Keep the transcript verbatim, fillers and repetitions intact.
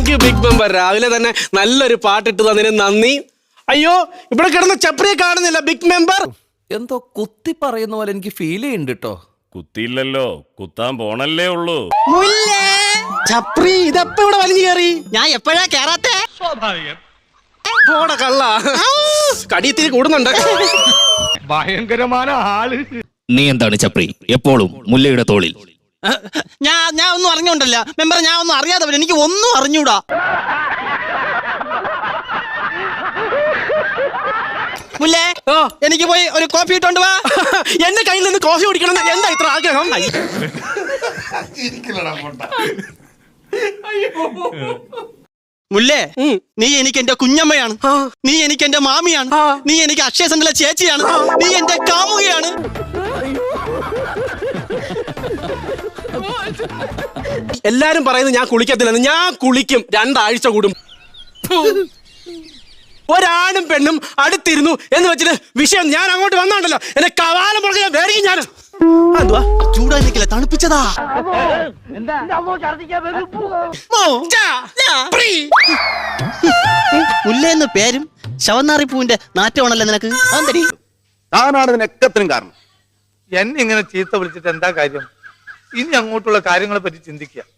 Thank you big member. രാവിലെ തന്നെ നല്ലൊരു പാട്ടിട്ട് തന്നതിന് നന്ദി. അയ്യോ, ഇവിടെ കിടന്ന ചപ്രിയെ കാണുന്നില്ല ബിഗ് മെമ്പർ. എന്തോ കുത്തി പറയുന്ന പോലെ എനിക്ക് ഫീൽ ചെയ്യുന്നുണ്ട് കേട്ടോ. കുത്തിയില്ലല്ലോ, കുത്താൻ പോണല്ലേ ഉള്ളൂ. ചപ്രി ഇതെപ്പ ഇവിടെ വലിഞ്ഞു കയറി? ഞാൻ എപ്പോഴാ കേറാത്തെ? സ്വാഭാവികം. പോടാ കള്ള, കടിയത്തിരി കൂടുന്നുണ്ട്. ഭയങ്കരമായ ആള്. നീ എന്താണ് ചപ്രി എപ്പോഴും മുല്ലയുടെ തോളിൽ? ഞാൻ ഞാൻ ഒന്നും അറിഞ്ഞോണ്ടല്ല മെമ്പർ, ഞാൻ ഒന്നും അറിയാതെ എനിക്ക് ഒന്നും അറിഞ്ഞൂടാ. മുല്ലേ, എനിക്ക് പോയി ഒരു കോഫി ഇട്ടോണ്ട് വാ. എന്റെ കയ്യിൽ നിന്ന് കോഫി കുടിക്കണം എന്താ ഇത്ര ആഗ്രഹം? മുല്ലേ, നീ എനിക്ക് എന്റെ കുഞ്ഞമ്മയാണ്, നീ എനിക്ക് എന്റെ മാമിയാണ്, നീ എനിക്ക് അക്ഷയ സെന്ററിലെ ചേച്ചിയാണ്, നീ എന്റെ കാമുകയാണ്. എല്ലാരും പറയുന്നത് ഞാൻ കുളിക്കത്തില്ലെന്ന്. ഞാൻ കുളിക്കും രണ്ടാഴ്ച കൂടും. ഒരാണും പെണ്ണും അടുത്തിരുന്നു എന്ന് വെച്ചിട്ട് വിഷയം ഞാൻ അങ്ങോട്ട് വന്നോണ്ടല്ലോ എന്നെ കവാലം പുറകെ ഞാൻ വേറെ ഞാൻ ചൂടാ നിൽക്കില്ല, തണുപ്പിച്ചതാ. മുല്ലേന്ന് പേരും ശവന്നാറി പൂവിന്റെ നാറ്റമാണല്ലോ നിനക്ക്. അതെന്തടി? താനാണ് ഇതിനൊക്കത്തിനും കാരണം. എന്നെ ഇങ്ങനെ ചീത്ത വിളിച്ചിട്ട് എന്താ കാര്യം? ഇനി അങ്ങോട്ടുള്ള കാര്യങ്ങളെ പറ്റി ചിന്തിക്കുക.